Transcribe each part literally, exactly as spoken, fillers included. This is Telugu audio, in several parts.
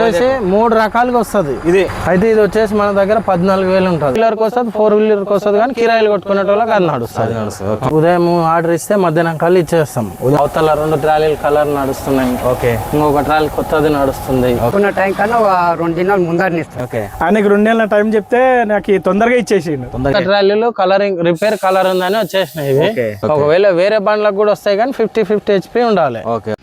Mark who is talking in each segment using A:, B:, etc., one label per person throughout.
A: వచ్చేసి మూడు రకాలుగా వస్తుంది ఇది. అయితే ఇది వచ్చేసి మన దగ్గర పద్నాలుగు వేలు ఉంటుంది. వీలర్కి వస్తుంది, ఫోర్ వీలర్కి వస్తుంది, కానీ కిరాయిలు కొట్టుకునే వాళ్ళకి అది నడుస్తుంది. ఉదయం ఆర్డర్ ఇస్తే మధ్యాహ్నం కల్లా ఇచ్చేస్తాం. అవతల రెండు ట్రాలీలు కలర్ నడుస్తున్నాయి, ఓకే, ఇంకొక ట్రాలీ కొత్తది నడుస్తుంది.
B: టైం కన్నా రెండు దినాలు ముందర
C: ఆయనకి రెండు నెలల టైం చెప్తే నాకు తొందరగా ఇచ్చేసి
A: ట్రాలీలు కలరింగ్ రిపేర్ కలర్ ఉందని వచ్చేసినాయి ఇవి. ఒకవేళ వేరే బండ్లకు కూడా వస్తాయి, కానీ ఫిఫ్టీ ఫిఫ్టీ హెచ్పి ఉండాలి.
D: Okay.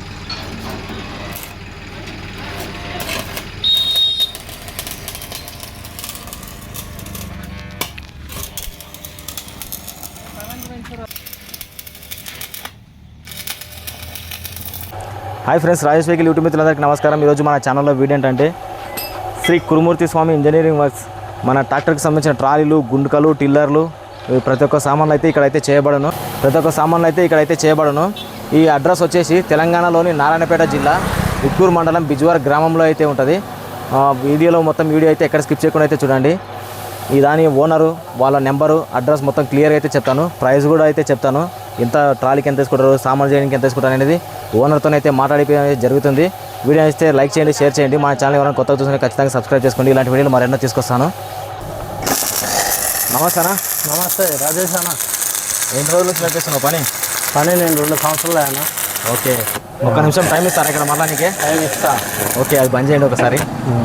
D: Hi friends, Rajesh vehicle YouTube మిత్రులందరికీ నమస్కారం. ఈరోజు మన ఛానల్లో వీడియో ఏంటంటే శ్రీ కురుమూర్తి స్వామి ఇంజనీరింగ్ వర్క్స్ మన ట్రాక్టర్కి సంబంధించిన ట్రాలీలు, గుండుకలు, టిల్లర్లు, ప్రతి ఒక్క సామాన్లు అయితే ఇక్కడైతే చేయబడను ప్రతి ఒక్క సామాన్లు అయితే ఇక్కడైతే చేయబడను ఈ అడ్రస్ వచ్చేసి తెలంగాణలోని నారాయణపేట జిల్లా ఉట్కూరు మండలం బిజ్వార్ గ్రామంలో అయితే ఉంటుంది. వీడియోలో మొత్తం వీడియో అయితే ఎక్కడ స్కిప్ చేయకుండా అయితే చూడండి. ఈ దాని ఓనరు, వాళ్ళ నెంబరు, అడ్రస్ మొత్తం క్లియర్గా అయితే చెప్తాను. ప్రైస్ కూడా అయితే చెప్తాను. ఎంత ట్రాలీకి ఎంత తీసుకుంటారు, సామాన్ చేయడానికి ఎంత తీసుకుంటారు అనేది ఓనర్తో అయితే మాట్లాడిపోయి జరుగుతుంది. వీడియో ఇస్తే లైక్ చేయండి, షేర్ చేయండి. మన ఛానల్ ఎవరైనా కొత్తగా చూస్తే ఖచ్చితంగా సబ్స్క్రైబ్ చేసుకోండి. ఇలాంటి వీడియోలు మరెన్నో తీసుకొస్తాను. నమస్తే అన్న.
A: నమస్తే రాజేష్ అన్న.
D: ఎన్ని రోజులు స్టార్ట్ చేస్తున్నావు పని?
A: పని నేను రెండు సంవత్సరాలు అన్న.
D: ఓకే, ఒక్క నిమిషం టైం ఇస్తారా ఇక్కడ మళ్ళా? నీకే
A: టైం ఇస్తా.
D: ఓకే, అది బంద్ చేయండి ఒకసారి.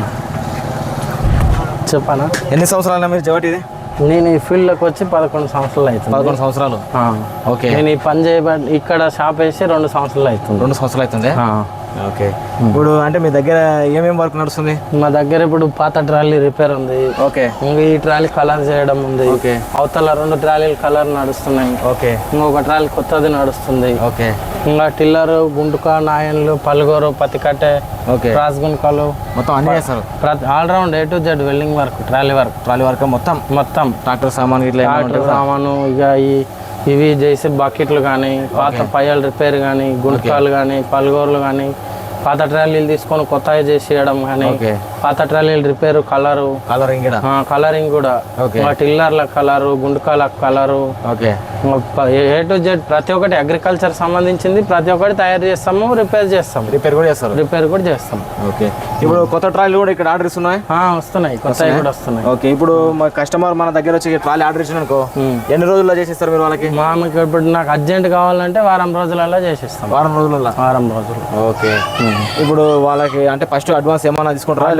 A: చెప్పనా?
D: ఎన్ని సంవత్సరాలు మీరు జవటి ఇది?
A: నేను ఈ ఫీల్డ్లోకి వచ్చి పదకొండు సంవత్సరాలు అవుతుంది.
D: పదకొండు సంవత్సరాలు ఓకే.
A: నేను ఈ పని చేయబడి ఇక్కడ షాప్ వేసి రెండు సంవత్సరాలు అవుతుంది.
D: రెండు సంవత్సరాలు అవుతుంది. ఓకే. ఇప్పుడు అంటే మీ దగ్గర ఏమేమి వర్క్ నడుస్తుంది?
A: మా దగ్గర ఇప్పుడు పాత ట్రాలీ రిపేర్ ఉంది.
D: ఓకే.
A: ఇంకా ఈ ట్రాలీ కలర్ చేయడం ఉంది. ఓకే. అవతల రెండు ట్రాలీలు కలర్ నడుస్తున్నాయి. ఓకే. ఇంకొక ట్రాలీ కొత్తది నడుస్తుంది. ఓకే. ఇంకా టిల్లర్, గుంటుక, నాయన్లు, పలుగోరు, పత్తికట్టె, ఓకే, క్రాస్ గుంటకలు మొత్తం అన్ని చేస్తారు. All round A to Z welding work, trolley work trolley work మొత్తం మొత్తం ట్రాక్టర్ సామాన్ ఇట్లా ట్రాక్టర్ సామాను. ఇక ఈ ఇవి చేసి బకెట్లు కానీ, పాత పయ్యాల రిపేర్ కానీ, గుంటకాలు కానీ, పలుగోర్లు కానీ, పాత ట్రాలీలు తీసుకొని కొత్తగా చేసి ఇవ్వడం కానీ, పాత ట్రాలీలు రిపేర్, కలరు కలరింగ్ కలరింగ్ కూడా, టిల్లర్ల కలరు, గుంటకాల colour, okay, A to Z ప్రతి ఒక్కటి అగ్రికల్చర్ సంబంధించింది ప్రతి ఒక్కటి తయారు చేస్తాము, రిపేర్ చేస్తాం.
D: రిపేర్ కూడా చేస్తారు.
A: రిపేర్ కూడా చేస్తాం.
D: ఓకే. ఇప్పుడు కొత్త ట్రాలీలు కూడా ఇక్కడ ఆర్డర్ ఇస్తున్నాయి?
A: వస్తున్నాయి, కొత్తవి కూడా వస్తున్నాయి.
D: ఓకే. ఇప్పుడు మా కస్టమర్ మన దగ్గర వచ్చి ట్రాలీ ఆర్డర్ ఇచ్చిన అనుకో, ఎన్ని రోజుల్లో చేసిస్తారు మీరు వాళ్ళకి?
A: మామకి ఇప్పుడు నాకు అర్జెంట్ కావాలంటే వారం రోజులలో చేసిస్తాం.
D: వారం రోజులలో? వారం రోజులు. ఓకే. ఇప్పుడు వాళ్ళకి అంటే ఫస్ట్ అడ్వాన్స్ ఏమైనా తీసుకుంటారా?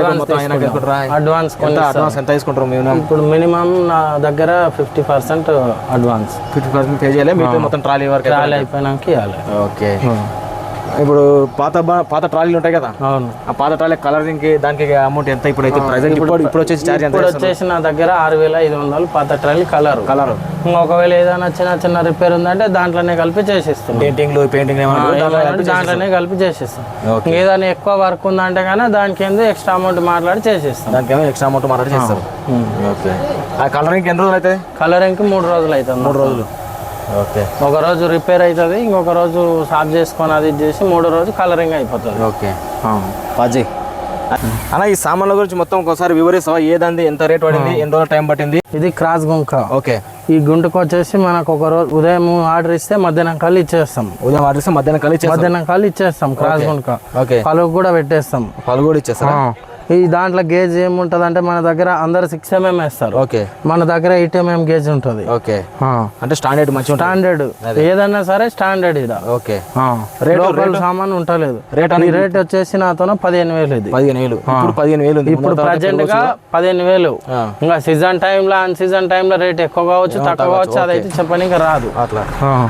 A: అడ్వాన్స్
D: అడ్వాన్స్ ఎంత తీసుకుంటారు మీరు?
A: ఇప్పుడు మినిమం నా దగ్గర fifty percent advance.
D: Fifty percent pay చేయాలి, మీకు మొత్తం ట్రాలీ వర్క్
A: ట్రాలీ అయిపోయినాక ఇవ్వాలి.
D: ఓకే. ఇప్పుడు పాత పాత ట్రాలీలు ఉంటాయి కదా, అవును, ఆ పాత ట్రాలీ కలరింగ్ కి దానికి అమౌంట్ ఎంత? ఇప్పుడు అయితే ప్రెజెంట్ ఇప్పుడు ఇప్పుడు వచ్చేసి చార్జ్ ఎంత?
A: ఇప్పుడు వచ్చేసి నా దగ్గర ఆరు వేల ఐదు వందలు పాత ట్రాలీ కలర్ కలర్ ఒకవేళ ఏదైనా చిన్న చిన్న రిపేర్ ఉందంటే దాంట్లోనే కలిపి చేసిస్తాం.
D: పెయింటింగ్ పెయింటింగ్
A: దాంట్లోనే కలిపి చేసిస్తాం. ఏదైనా ఎక్కువ వర్క్ ఉందంటే కానీ దానికి ఏందో ఎక్స్ట్రా అమౌంట్ మాట్లాడి చేసిస్తాం.
D: దానికి ఏమో ఎక్స్ట్రా అమౌంట్ మాట్లాడి చేస్తారు. ఓకే. ఆ కలరింగ్ ఎన్ని రోజులు అవుతుంది?
A: కలరింగ్ మూడు రోజులు అవుతుంది.
D: మూడు రోజులు. ఓకే.
A: ఒక రోజు రిపేర్ అవుతుంది, ఇంకొక రోజు సాఫ్ చేసుకొని అది చేసి మూడో రోజు కలరింగ్ అయిపోతుంది.
D: ఓకే. పాజీ అన్న, ఈ సామాన్ల గురించి మొత్తం ఒకసారి వివరిస్తావా? ఏదండి, ఎంత రేట్ పడింది, ఎన్ని రోజులు టైం పట్టింది?
A: ఇది క్రాస్ గుంక.
D: ఓకే.
A: ఈ గుంటకు వచ్చేసి మనకు ఒక రోజు ఉదయం ఆర్డర్ ఇస్తే మధ్యాహ్నం కల్లా ఇచ్చేస్తాం.
D: ఉదయం ఆర్డర్ ఇస్తే మధ్యాహ్నం కల్లా
A: మధ్యాహ్నం కల్లా ఇచ్చేస్తాం. క్రాస్ గుంక. ఓకే. పలుగు కూడా పెట్టేస్తాం.
D: పలుగు కూడా ఇచ్చేస్తాం.
A: ఈ దాంట్లో గేజ్ ఏముంటది అంటే మన దగ్గర అందరు సిక్స్ ఎంఎం వేస్తారు. ఓకే. మన దగ్గర ఎయిట్ ఎంఎం గేజ్ ఉంటుంది.
D: ఓకే. అంటే స్టాండర్డ్ మంచి
A: స్టాండర్డ్ ఏదన్నా సరే స్టాండర్డ్ ఇది.
D: ఓకే.
A: లోకల్ సామాన్ ఉంటలేదు. రేట్ రేట్ వచ్చేసి నాతో పదిహేను వేలు. ఇది
D: పదిహేను వేలు ఇప్పుడు పదిహేను వేలు
A: ఇప్పుడు ప్రజెంట్ గా పదిహేను వేలు. ఇంకా సీజన్ టైంలో అన్ సీజన్ టైంలో రేట్ ఎక్కువ కావచ్చు, తక్కువ కావచ్చు, అదైతే చెప్పడానికి రాదు.
D: అట్లా.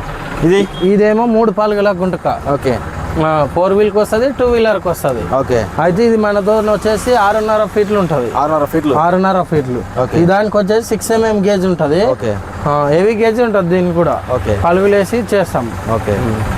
D: ఇది
A: ఇదేమో మూడు పాలుగల గుంటక.
D: ఓకే.
A: ఫోర్ వీల్ కి వస్తుంది, టూ వీలర్ కి వస్తుంది.
D: ఓకే.
A: అయితే ఇది మన దూరం వచ్చేసి ఆరున్నర ఫీట్లు ఉంటది.
D: ఆరున్నర ఫీట్లు
A: ఆరున్నర ఫీట్లు ఈ దానికి వచ్చేసి సిక్స్ ఎంఎం గేజ్ ఉంటది. హెవీ గేజ్ ఉంటది దీనికి కూడా. ఓకే. పలుగులేసి చేస్తాం.
D: ఓకే.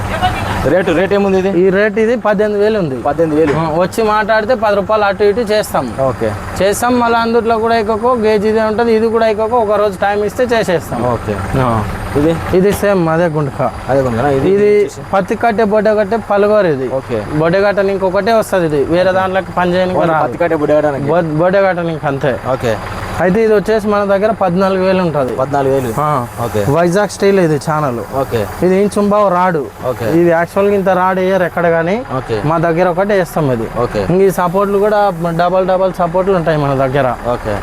D: రేటు రేట్ ఏముంది? ఇది
A: ఈ రేట్ ఇది పద్దెనిమిది వేలు ఉంది.
D: పద్దెనిమిది వేలు వచ్చి
A: మాట్లాడితే పది రూపాయలు అటు ఇటు చేస్తాం.
D: ఓకే.
A: చేస్తాం. మళ్ళీ అందులో కూడా ఎక్కువ గేజ్ ఇదే ఉంటుంది, ఇది కూడా ఎక్కువ ఒక రోజు టైం ఇస్తే చేసేస్తాం.
D: ఓకే. ఇది
A: ఇది సేమ్ అదే గుంటక.
D: అదే గుంటక.
A: ఇది పత్తి కట్టే బొడ్డ కట్టే పలుగోరు. ఇది
D: ఓకే.
A: బొడ్డ కట్ట ఇంకొకటే వస్తుంది. ఇది వేరే దాంట్లోకి పని చేయడానికి
D: పత్తి కట్టే బొడ్డ కట్ట
A: బొడ్డ కట్ట నీకు అంతే.
D: ఓకే.
A: అయితే ఇది వచ్చేసి మన దగ్గర పద్నాలుగు వేలు ఉంటుంది.
D: పద్నాలుగు వేలు ఓకే.
A: వైజాగ్ స్టైల్ ఇది ఛానల్.
D: ఓకే.
A: ఇది ఇంచుంబావు రాడు.
D: ఓకే.
A: ఇది యాక్చువల్గా ఇంత రాడు వేయరు ఎక్కడ కానీ,
D: ఓకే.
A: మా దగ్గర ఒకటి వేస్తాం ఇది.
D: ఓకే.
A: ఇంక ఈ సపోర్ట్లు కూడా డబల్ డబల్ సపోర్ట్లు ఉంటాయి మన దగ్గర.
D: ఓకే.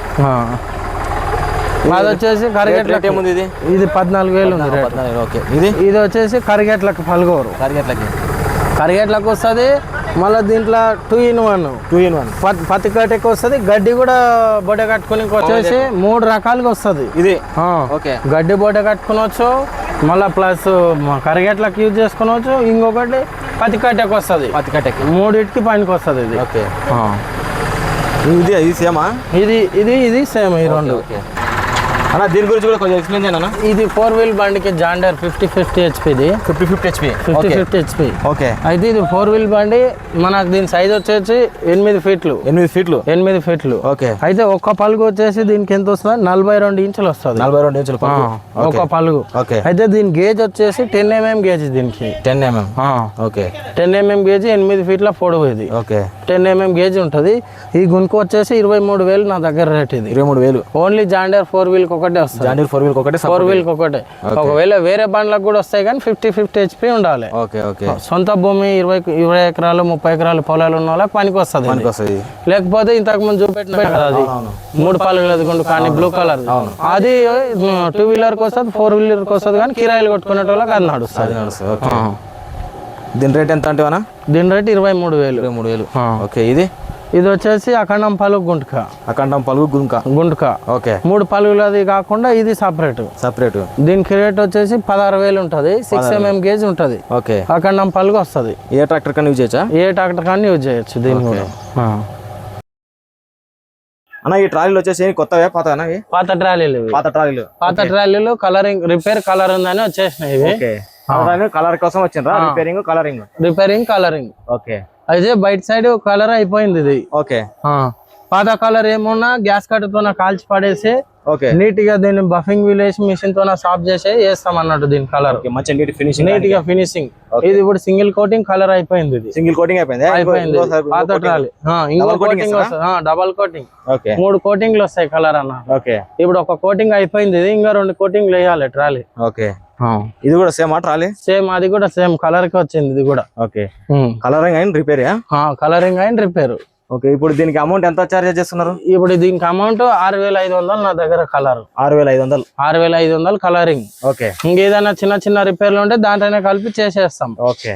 A: అది వచ్చేసి కరిగేట్లకి
D: ఏముంది ఇది?
A: ఇది పద్నాలుగు వేలు ఉంది రేట్.
D: ఓకే. ఇది
A: ఇది వచ్చేసి కరిగేట్లకి పలుగోరు.
D: కరిగేట్లకి
A: కరిగేట్లకు వస్తుంది. మళ్ళీ దీంట్లో two in one
D: two in one
A: పత్తి కట్టెకి వస్తుంది. గడ్డి కూడా బొడ కట్టుకుని వచ్చేసి మూడు రకాలుగా వస్తుంది
D: ఇది.
A: ఆ.
D: ఓకే.
A: గడ్డి బొడ కట్టుకునవచ్చు, మళ్ళీ ప్లస్ కరిగేట్లకు యూజ్ చేసుకోవచ్చు. ఇంకొకటి పత్తి కట్టెకి వస్తుంది.
D: పత్తి కట్టెకి
A: మూడింటికి పనికి వస్తుంది ఇది.
D: ఓకే. ఇది ఇది సేమా?
A: ఇది ఇది ఇది సేమ్ ఈ రెండు.
D: ఓకే అన్న, దీని గురించి కూడా కొంచెం ఎక్స్ప్లెయిన్ చేయండి అన్న.
A: ఇది ఫోర్ వీల్ బండికి జాండర్ ఫిఫ్టీ ఫిఫ్టీ హెచ్పిది.
D: Fifty fifty HP
A: fifty fifty HP
D: okay.
A: అయితే ఇది ఫోర్ వీల్ బండి. మనకు దీని సైజ్ వచ్చేసి ఎనిమిది ఫీట్లు.
D: ఎనిమిది ఫీట్లు
A: ఎనిమిది ఫీట్లు
D: ఓకే.
A: అయితే ఒక్క పలుగు వచ్చేసి దీనికి ఎంత వస్తుంది? నలభై రెండు ఇంచులు వస్తుంది.
D: నలభై రెండు ఇంచులు
A: ఒక పలుగు.
D: ఓకే.
A: అయితే దీని గేజ్ వచ్చేసి టెన్ ఎంఎం గేజ్ దీనికి.
D: Ten mm okay.
A: Ten mm gauge ఎనిమిది ఫీట్ల పొడవు ఇది.
D: ఓకే.
A: టెన్ ఎంఎం గేజ్ ఉంటుంది. ఈ గుణకు వచ్చేసి ఇరవై మూడు వేలు నా దగ్గర రేట్ ఇది.
D: ఇరవై మూడు వేలు
A: ఓన్లీ జాండర్ ఫోర్ వీల్ ఒకటే వస్తుంది.
D: జాండర్ ఫోర్ వీల్ ఒకటే
A: ఫోర్ వీల్ ఒకటే. ఒకవేళ వేరే బండ్లకు కూడా వస్తాయి కానీ ఫిఫ్టీ ఫిఫ్టీ హెచ్పి ఉండాలి.
D: ఓకే. ఓకే.
A: సొంత భూమి ఇరవై ఇరవై ఎకరాలు ముప్పై ఎకరాలు పొలాలు ఉన్న వాళ్ళకి పనికి వస్తుంది.
D: పనికి వస్తుంది.
A: లేకపోతే ఇంతకు ముందు చూపెట్టిన కదా అది మూడు పలుగులు ఎదుగుండు కానీ బ్లూ కలర్ అది టూ వీలర్ కి వస్తుంది, ఫోర్ వీలర్ కి వస్తుంది కానీ కిరాయిలు కొట్టుకునే వాళ్ళకి అది నడుస్తుంది.
D: ఓకే. దీని రేట్ ఎంత అంటే అన్న?
A: దీని రేట్ ఇరవై మూడు వేలు.
D: ఇరవై మూడు వేలు ఓకే. ఇది
A: ఇది వచ్చేసి అఖండం పలుగు గుంటక.
D: అఖండం పలుగు గుంక
A: గుంటక
D: ఓకే.
A: మూడు పలుగులు అది కాకుండా ఇది సపరేట్.
D: సపరేట్
A: దీనికి రేట్ వచ్చేసి పదహారు వేలు ఉంటుంది. సిక్స్ ఎంఎం గేజ్ ఉంటుంది.
D: ఓకే.
A: అఖండం పలుగు వస్తుంది.
D: ఏ ట్రాక్టర్ కన్నా యూజ్ చేయొచ్చా?
A: ఏ ట్రాక్టర్ కానీ యూజ్ చేయొచ్చు దీన్ని కూడా.
D: అన్న, ఈ ట్రాలీలు వచ్చేసి కొత్తవే పాత
A: పాత ట్రాలీలు.
D: పాత ట్రాలీలు
A: పాత ట్రాలీలు కలరింగ్ రిపేర్ కలర్ ఉందని వచ్చేసినాయి ఇవి.
D: కలర్ కోసం వచ్చిండ్రా? Repairing colouring
A: repairing colouring
D: okay.
A: అయితే బయట సైడ్ కలర్ అయిపోయింది ఇది.
D: ఓకే.
A: పాత కలర్ ఏమున్నా గ్యాస్ కట్టతో కాల్చి పడేసి
D: ఓకే
A: నీట్ గా దీన్ని బఫింగ్ విలేజ్ మిషన్ తో సాఫ్ చేసి వేస్తాం అన్నట్టు దీని కలర్.
D: మంచి నీట్ ఫినిషింగ్
A: నీట్ గా ఫినిషింగ్. ఇది ఇప్పుడు సింగిల్ కోటింగ్ కలర్ అయిపోయింది. ఇది
D: సింగిల్ కోటింగ్ అయిపోయింది.
A: అయిపోయింది పాత ట్రాలీ. ఇంకో కోటింగ్ వస్తుంది, డబల్ కోటింగ్.
D: ఓకే.
A: మూడు కోటింగ్లు వస్తాయి కలర్ అన్న.
D: ఓకే.
A: ఇప్పుడు ఒక కోటింగ్ అయిపోయింది, ఇది ఇంకా రెండు కోటింగ్లు వేయాలి ట్రాలీ.
D: ఓకే. ఇది కూడా సేమ్ ఆ ట్రాలీ?
A: సేమ్, అది కూడా సేమ్ కలర్ కి వచ్చింది ఇది కూడా.
D: ఓకే. కలరింగ్ అయిన రిపేర్?
A: కలరింగ్ అయిన రిపేర్.
D: ఓకే. ఇప్పుడు దీనికి అమౌంట్ ఎంత చార్జ్ చేస్తున్నారు?
A: ఇప్పుడు దీనికి అమౌంట్ ఆరు వేల ఐదు వందలు నా దగ్గర కలర్.
D: ఆరు వేల ఐదు వందలు
A: ఆరు వేల ఐదు వందలు కలరింగ్.
D: ఓకే.
A: ఇంకేదైనా చిన్న చిన్న రిపేర్లు ఉంటే దాంట్లోనే కలిపి చేసేస్తాం.
D: ఓకే.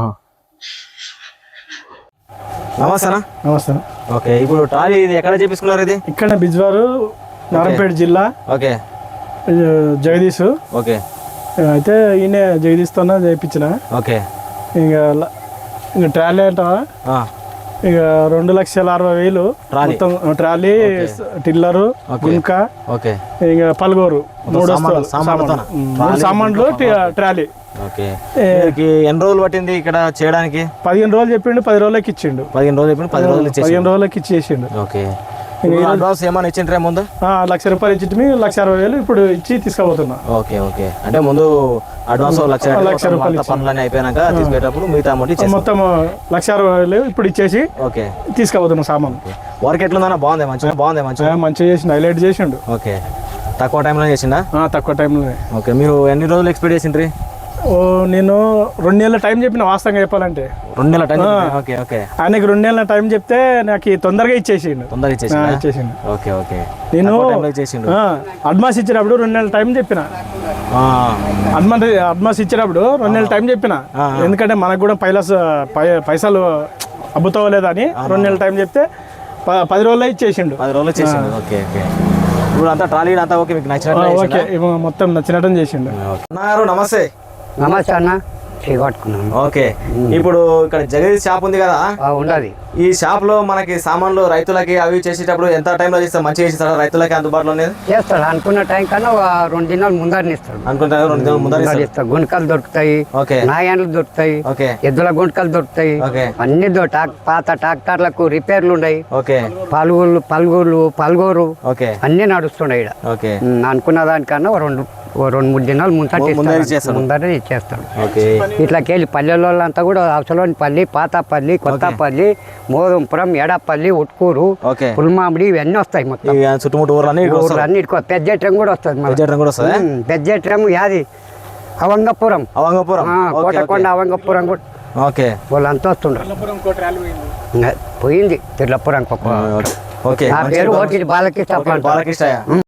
D: నమస్తే.
C: నమస్తే.
D: ఓకే. ఇప్పుడు ట్రాలీ ఇది ఎక్కడ చేపించుకున్నారు? ఇది
C: ఇక్కడ బిజ్వారు, నారాయణపేట జిల్లా.
D: ఓకే.
C: జగదీష్.
D: ఓకే.
C: అయితే ఈయన జగదీష్తోనే చేయించిన.
D: ఓకే.
C: ఇంకా ఇంకా ట్రాలీ అంటావా? ఇక రెండు లక్షల అరవై వేలు మొత్తం ట్రాలీ, టిల్లరు, గుంక, ఇంకా పలుగోరు మూడు మూడు సామాన్లు ట్రాలీ.
D: ఎన్ని రోజులు పట్టింది ఇక్కడ చేయడానికి?
C: పదిహేను రోజులు చెప్పిండు, పది రోజులకి ఇచ్చిండు.
D: పదిహేను రోజులు చెప్పిండు, పది రోజులు
C: పదిహేను రోజులకి ఇచ్చేసిండు.
D: ఓకే. అడ్వాన్స్ ఏమైనా ఇచ్చిండ్రే ముందు?
C: లక్ష రూపాయలు ఇచ్చి లక్ష అరవై వేలు ఇప్పుడు ఇచ్చి తీసుకుపోతున్నా.
D: ఓకే. ఓకే. అంటే ముందు అడ్వాన్స్ లక్ష లక్ష రూపాయలు పనులన్నీ అయిపోయినాక తీసుకునేటప్పుడు మిగతా అమౌంట్
C: మొత్తం లక్ష అరవై వేలు ఇప్పుడు ఇచ్చేసి ఓకే తీసుకుపోతున్నా సామాన్.
D: వర్క్ ఎట్లుందన్నా? బాగుంది, మంచిగా బాగుంది, మంచిగా
C: మంచిగా చేసిండు, హైలైట్ చేసిండు.
D: ఓకే. తక్కువ టైంలో చేసిండా?
C: తక్కువ టైంలో.
D: ఓకే. మీరు ఎన్ని రోజులు ఎక్స్పెక్ట్ చేసిండ్రి?
C: ఓ నేను రెండు నెలల టైం చెప్పిన, వాస్తవంగా చెప్పాలంటే
D: రెండు నెలల టైం. ఓకే. ఓకే.
C: ఆయనకి రెండు నెలల టైం చెప్తే నాకు తొందరగా ఇచ్చేసిండు.
D: తొందరగా ఇచ్చేసిండు
C: ఇచ్చేసిండు
D: ఓకే. ఓకే.
C: నేను అడ్వాన్స్ ఇచ్చినప్పుడు రెండు నెలల టైం చెప్పిన. అడ్వాన్స్ అడ్వాన్స్ ఇచ్చినప్పుడు రెండు నెలల టైం చెప్పిన, ఎందుకంటే మనకు కూడా పైలస్ పైసలు అబ్బుతోలేదని రెండు నెలల టైం చెప్తే పది రోజుల్లో ఇచ్చేసిండు.
D: పది రోజులు ఇచ్చేసిండు. ఓకే. ఓకే. ఇప్పుడు అంతా ట్రాలీ అంతా ఓకే, మీకు నచ్చినట్టు?
C: ఓకే, మొత్తం నచ్చినట్టు చేసిండు.
D: నమస్తే.
B: నమస్తే అన్న. కట్టుకున్నాను.
D: ఓకే. ఇప్పుడు ఇక్కడ జగదీష్ షాప్ ఉంది కదా,
B: ఉండదు.
D: ఈ షాప్ లో మనకి సామాన్లు రైతులకి అవి చేసేటప్పుడు ఎంత టైంలో చేస్తారు? మంచిగా చేస్తారా? రైతులకి అందుబాటులో
B: చేస్తాడు. అనుకున్న టైం కన్నా రెండు దినాలు ముందరని ఇస్తాడు.
D: అనుకుంటా రెండు దినాలు ముందర
B: ఇస్తాడు. గుంటకలు దొరుకుతాయి, నాయన్లు దొరుకుతాయి, ఎద్దుల గుంటకలు దొరుకుతాయి, అన్ని పాత ట్రాక్టర్లకు రిపేర్లు ఉన్నాయి. పలుగులు పలుగులు పలుగోరు అన్ని నడుస్తున్నాయి ఇక్కడ. అనుకున్న దానికన్నా రెండు రెండు మూడు దినాలు ముందర ముందరే ఇచ్చేస్తాడు. ఇట్లాకెళ్ళి పల్లెల్లో అంతా కూడా అవసరం పల్లి పాతపల్లి కొత్తపల్లి మోదంపురం ఎడపల్లి ఉట్కూరు
D: ఓకే
B: పుల్మామిడి ఇవన్నీ వస్తాయి మొత్తం
D: ఈ చుట్టుముట్టు ఊర్లన్నీ ఇక్కడ వస్తారు.
B: అన్ని పెద్దెట్రం కూడా వస్తుంది
D: పెద్దెట్రం కూడా వస్తుందా?
B: పెద్దెట్రం యాది అవంగపురం
D: అవంగపురం
B: ఆ, కోటకొండ అవంగపురం కూడా
D: ఓకే
B: వాళ్ళంతా వస్తుండ్రు ఇంకా పోయింది తిరులపురం
D: ఓకే
B: నా పేరు ఓటి బాలకృష్ణ
D: బాలకృష్ణ